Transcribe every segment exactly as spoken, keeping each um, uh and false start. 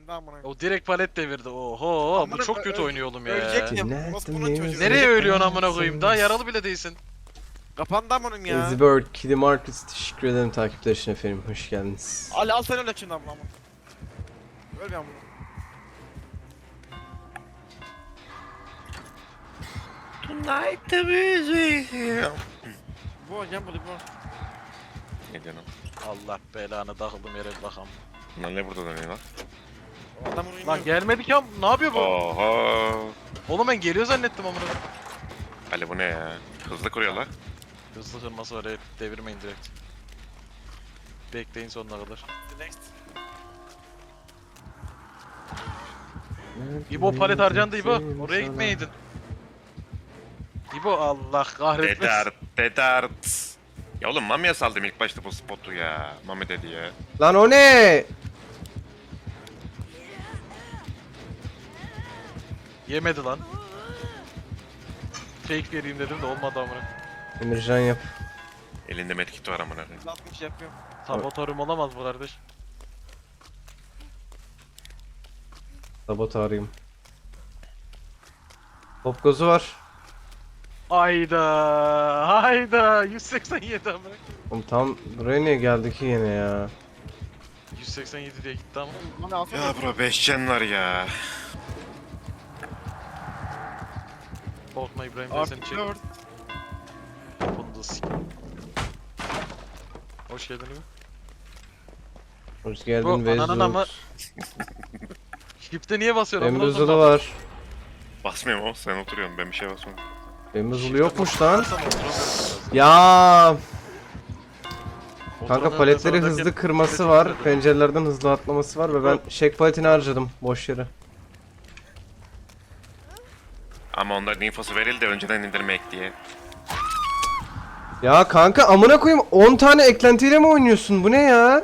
şimdi amına. O direkt palet devirdi. Oho, Amına bu çok ö- kötü ö- oynuyor oğlum ya. Ölecektim. Nasıl bunun çocuğu? Nereye ölüyorsun amına koyayım? Daha yaralı bile değilsin. Kapandı amınım ya. Ezibird, Kiddy Marcus teşekkür ederim takipler için efendim. Hoş geldiniz. Ali al sen öyle şimdi amına. Öl bir amına. Tonight the music. Bu gel bu bu. Ne diyorsun? Allah belanı takıldım yere bakam. Lan ne burada dönüyor lan? Adam onu Lan gelmedik ya. Ne yapıyor bu? Oha. Oğlum ben geliyor zannettim amına. Ali bu ne ya? Hızlı kuruyor lan. Hızlı kırması var, evet, devirmeyin direkt. Bekleyin sonuna kadar. Next. İbo palet harcandı İbo. Oraya gitmeyeydin. İbo Allah kahretmesin. Dedart, dedart. Ya oğlum Mami'ye saldım ilk başta bu spotu ya. Mami dedi ya. Lan o ne? Yemedi lan. Fake vereyim dedim de olmadı amına. Emircan yap. Elinde medkit var amına koyayım. Laf bir şey yapıyorum. Sabotarım olamaz bu kardeş. Sabot arayayım. Top gozu var. Hayda, hayda, yüz seksen yedi amına. Oğlum tam buraya niye geldi ki yine ya? yüz seksen yedi diye gitti ama. Bana alsana. Ya bro beş can var ya. Korkma İbrahim ben seni Artı çek. dört. Bunu da s***. Hoş geldin İbo. Hoş geldin Bu ananın ama- Vezut. Shift'e niye basıyorsun? amına Bembuzulu koyayım? var. Basmıyorum o sen oturuyorsun ben bir şey basmıyorum. Bembuzulu yokmuş lan. Bassam oturamıyorum biraz. Ya kanka Oturamıyorum, paletleri ben hızlı oradayken- kırması var. Pencerelerden hızlı atlaması var ve ben shake paletini harcadım boş yere. Ama onların infosu verildi önceden indirmek diye. Ya kanka amına koyayım on tane eklentiyle mi oynuyorsun? Bu ne ya?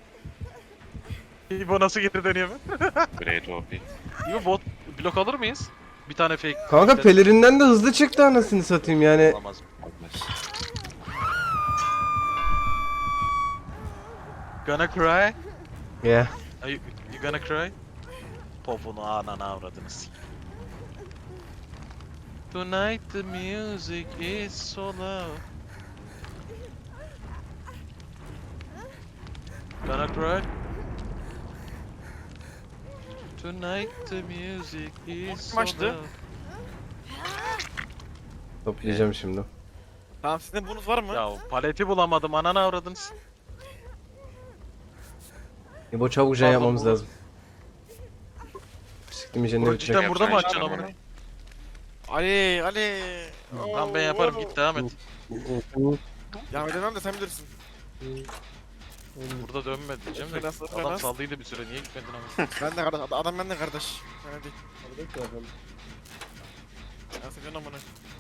İbo nasıl geri dönüyor mu? Great O P. İbo bot blok alır mıyız? Bir tane fake. Kanka fake- pelerinden de hızlı çıktı anasını satayım yani. Olamaz. Olmaz. Gonna cry? Yeah. Are you, you gonna cry? Popunu anana avradınız. Tonight the music is so loud. Gonna cry? Tonight the music is so Maçtı. loud. Toplayacağım şimdi. Tamam sizde bunuz var mı? Ya paleti bulamadım anana avradınız. İbo çabuk can Pardon, yapmamız bu- lazım. Siktim iyice ne Bunu bitecek. cidden burada mı yapacaksın açacaksın amına? amına? Ali Ali. Tamam ben yaparım git devam et. Ya edemem de sen bilirsin. Burada dönme diyeceğim de Fena- adam fena- saldıydı bir süre niye gitmedin ama. Ben de kardeş. Adam ben de kardeş. Ben değil. Ya sakın amına.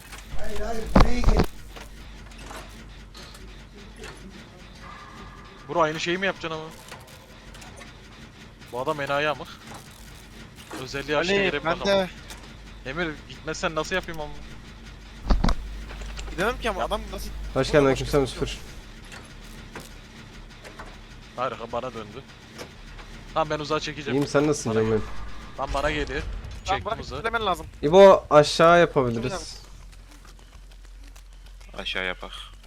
Bro aynı şeyi mi yapacaksın ama? Bu adam enayi amık. Özelliği açtı Ali gerek ben bakalım. de. Emir gitmezsen nasıl yapayım ama? Gidemem ki ama adam nasıl... Hoş geldin aleykümselam sıfır. Hayır bana döndü. Tamam ben uzağa çekeceğim. İyiyim sen nasılsın canım benim? Tam bana geliyor. Tamam Çektim bana uzağı. kitlemen lazım. İbo aşağı yapabiliriz. Aşağı yapak.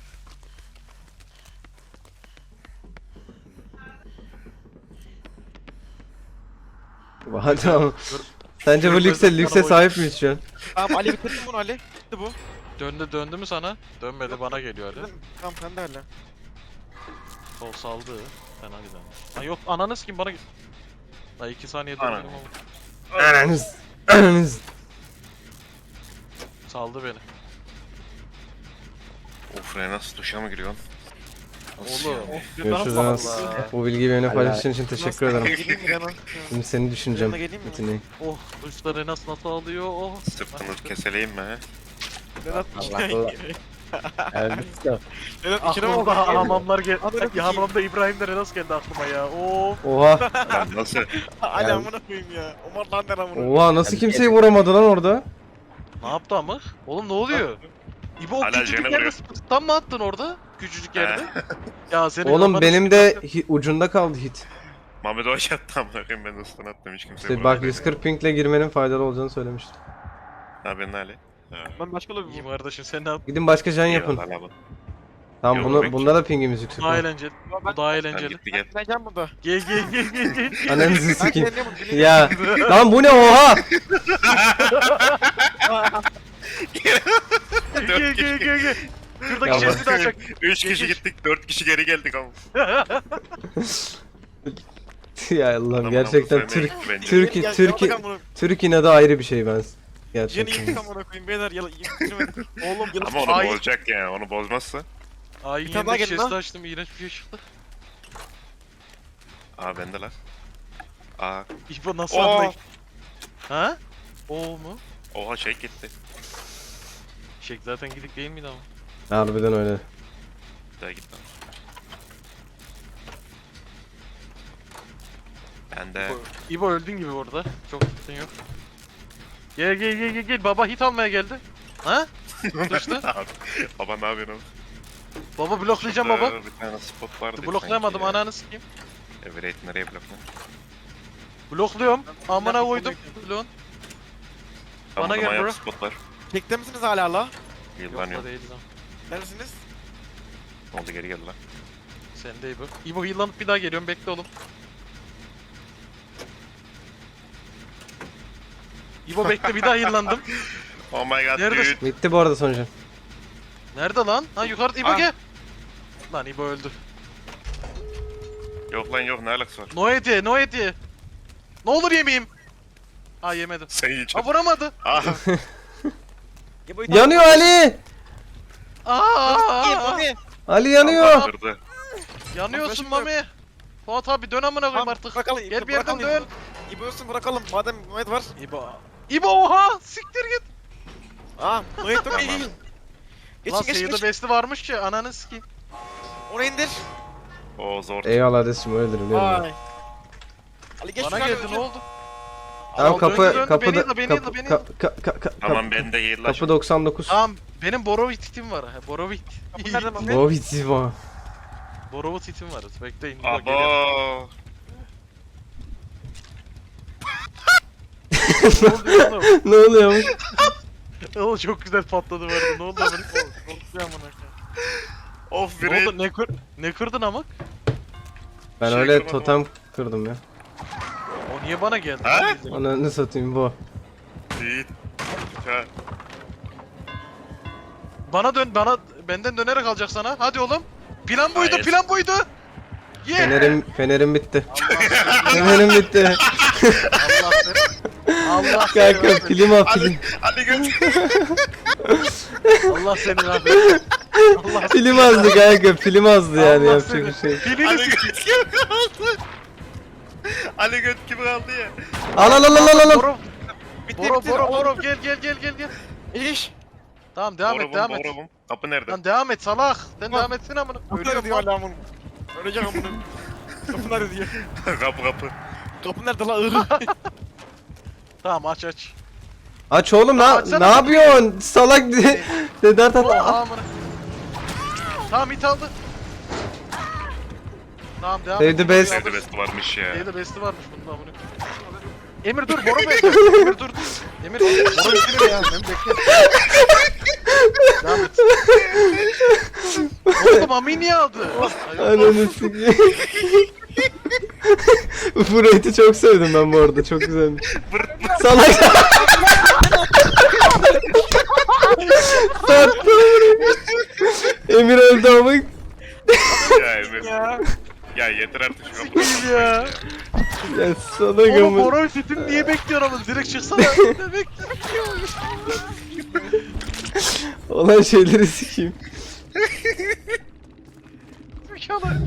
İbo hadi ama. Sence bu lükse, lükse sahip miyiz şu an? Tamam Ali bitirdim bunu Ali. Bitti bu. Döndü döndü mü sana? Dönmedi bana geliyor hadi. Bitirdim. Tamam sen de Ali. Sol saldı. Fena gidelim. Ha yok ananı kim bana git. Daha iki saniye Ana. döndüm ama. Ananız. Ananız. Saldı beni. Of re nasıl duşa mı giriyorsun? Nasıl Oğlum. yani? Görüşürüz Allah Anas. Allah. Bu bilgiyi benimle paylaştığın için teşekkür ederim. Geleyim mi ben? Şimdi seni düşüneceğim. Yanına geleyim mi? Metin'i. Oh duşları nasıl nasıl alıyor oh. Sırtını keseleyim mi he? Vedat Allah içine Allah. Vedat içine mi oldu? Aklımda hamamlar gel. Amına Ya koyayım. hamamda İbrahim de nasıl geldi aklıma ya. Of. Oha. Lan nasıl? Ali amına koyayım ya. Omar lan der amına. Oha nasıl kimseyi vuramadı lan orada? Ne yaptı amık? Oğlum ne oluyor? İbo o Hala küçücük jene yerde vuruyor. tam mı attın orada? Küçücük yerde. Ya senin Oğlum kafanı benim sıkıntı- de hi- ucunda kaldı hit. Mehmet Hoş attı amına koyayım ben de stun attım hiç kimse İşte bak yüz kırk pingle girmenin faydalı olacağını söylemiştim. Ne yapıyorsun Ali? Ha. Ben başka lobi İyiyim buldum. kardeşim sen ne yap? Gidin başka can yapın. Eyvallah abi. Tamam Yok, bunu, yok. bunda da pingimiz yüksek. Daha lan. eğlenceli. Bu daha Sen eğlenceli. gitti gel. Ben can burada. Gel gel gel gel gel. Ananızı Ben sikeyim. deniyorum, deniyorum. Ya lan bu ne oha? Gel gel gel gel. Şuradaki Ya chest'i de açak. Üç kişi gittik, dört kişi geri geldik ama. Ya Allah'ım Adamın gerçekten amına Türk sevmeye gitti bence. Türk Gel, gel, Türk gel bakalım. Türk inadı ayrı bir şey ben. Yeni Gerçekten. yıktık amına koyayım beyler yalan yıktırmadık. Oğlum yalan. Ama onu Ay. bozacak yani, onu bozmazsa. Ay Bir tane daha yeni gelin chest'i lan. açtım iğrenç bir şey çıktı. Aa bende lan. Aa, İbo nasıl Oo. anlayın? Ha? O mu? oha şey gitti. Şek zaten gidik değil miydi ama? Harbiden öyle. Bir daha gitti. Bende. İbo, İbo öldün gibi orada. Çok tutun yok. Gel gel gel gel gel baba hit almaya geldi. Ha? Düştü. Abi, baba ne yapıyorsun oğlum? Baba bloklayacağım Şurada baba. Bir tane spot vardı. Bloklayamadım sanki ya. ananı sikeyim. Evet nereye blokla? Blokluyorum. Amına dakika, koydum. bekle. Bloğun. Tamam, Bana gel tamam, bro. yap, spot var. Çekte misiniz hala la? Yıllanıyor. Yok da değil lan. Neredesiniz? Ne oldu geri geldi lan. Sen de İbo. İbo yıllanıp bir daha geliyorum bekle oğlum. İbo bekle bir daha yıllandım. Oh my god Neredesin? dude. Bitti bu arada sonucu. Nerede lan? Ha yukarıda İbo Ah. gel. Lan İbo öldü. Yok lan yok ne alakası var? No hediye, no hediye. Ne olur yemeyeyim. Ha yemedim. Sen yiyeceksin. Ha vuramadı. Ah, Ya bu Yanıyor Ali! Aa! Ali yanıyor! kaldırdı. Yanıyorsun Arkadaşım Mami. Fuat abi dön amına koyayım Tamam, artık. bırakalım. Gel bir yerden bırakalım. dön. İbo ölsün bırakalım. Madem Mehmet var. İbo. İbo oha! Siktir git. Aa Mehmet yok iyi Tamam. değil. Lan Geçin geçin Seyir'de geçin. besti varmış ki ananı sikeyim. Onu indir. O zor. Eyvallah Ades'cim öyledir biliyorum. Vay. Ali geç Bana şuradan geldi ne öleceğim. oldu? Tamam Al, kapı döndü, döndü. kapı Beni da yılla, beni kapı yılla, beni ka- ka- ka- ka- Tamam bende yayın lan. kapı doksan dokuz. Tamam benim Borovit hitim var. ha, Borovit. Kapı nerede Mehmet? Bu bitti bu. Borovit hitim var. Bekleyin. İbo geliyor. Abo. Ne oluyor oğlum? Ne oluyor? Oğlum çok güzel patladı vardı. Ne oldu lan? Korkuyor amına koyayım. Of Ne biri. oldu? Ne, kır ne kırdın amık? Ben Şey öyle kırmadım totem kırdım ya. O niye bana geldi? Ha? lan? Onu önüne satayım bu. Değil. Ha. Bana dön, bana benden dönerek alacak sana. Hadi oğlum. Plan buydu, Hayır. plan buydu. Ye. Fenerim fenerim bitti. Allah Fenerim bitti. Allah seni. Allah seni. Kanka rahmet- film al film. Ali göt. Allah seni rahmet. Allah Film azdı kanka film azdı yani Allah yapacak seni. bir şey. Filini Ali sikeyim. göt gibi kaldı. Ali göt gibi kaldı ya. Al al al al al al. Boro, Bitti boro, bitti. boro, boro. Gel, gel, gel, gel, gel. İş. Tamam devam et, Borobum, devam et. borobum. Kapı nerede? Lan devam et salak. Sen Tamam. devam etsene amına. Kapı Ölüyorum nerede diyor lan. hala bunu. Öleceğim bunu. Kapı nerede diyor. kapı kapı. Kapı nerede la ığ? Tamam aç aç. Aç oğlum Aa, lan. açsana Ne yapıyorsun? Salak de. Dedart at. Oha amına. Tamam hit aldı. Tamam devam Save et. the best. Nerede best varmış ya. Evde besti varmış bunun amına. Emir dur Boro Bey. Emir dur. Emir Boro Bey ya. Ben bekle. Devam et. Oğlum Ami niye aldı? Ay, Ananı sikeyim. Bu rate'i çok sevdim ben bu arada çok güzelmiş. Salak. Sattı. Emir öldü ama. Ya Emir. Ya. Ya yeter artık şu kapıyı. Sikeyim ya. Ya salak Oğlum ama. Boro Fit'in niye bekliyorsun ama direkt çıksana. Ne bekliyorsun? Olan şeyleri sikeyim. Mükemmel.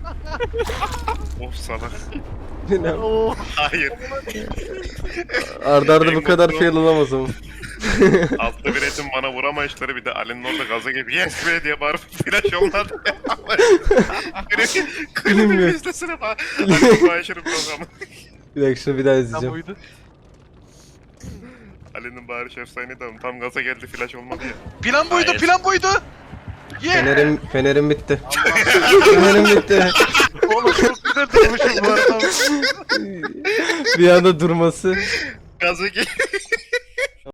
Of salak. Oo. Hayır. Arda arda bu kadar fail olamaz ama. Altta bir etim bana vuramayışları bir de Ali'nin orada gaza gelip yes be diye bağırıp flash olmadı. Klibi Bilmiyorum. izlesene bak. Ali'nin bağışırı programı. Bir dakika şunu bir daha Lan izleyeceğim. buydu. Ali'nin bağırış efsaneydi ama tam gaza geldi flash olmadı ya. Plan buydu, Hayır. plan buydu. Ye. Fenerim, fenerim bitti. Fenerim bitti. Oğlum çok güzel durmuşum bu arada. Bir anda durması. Gaza gel.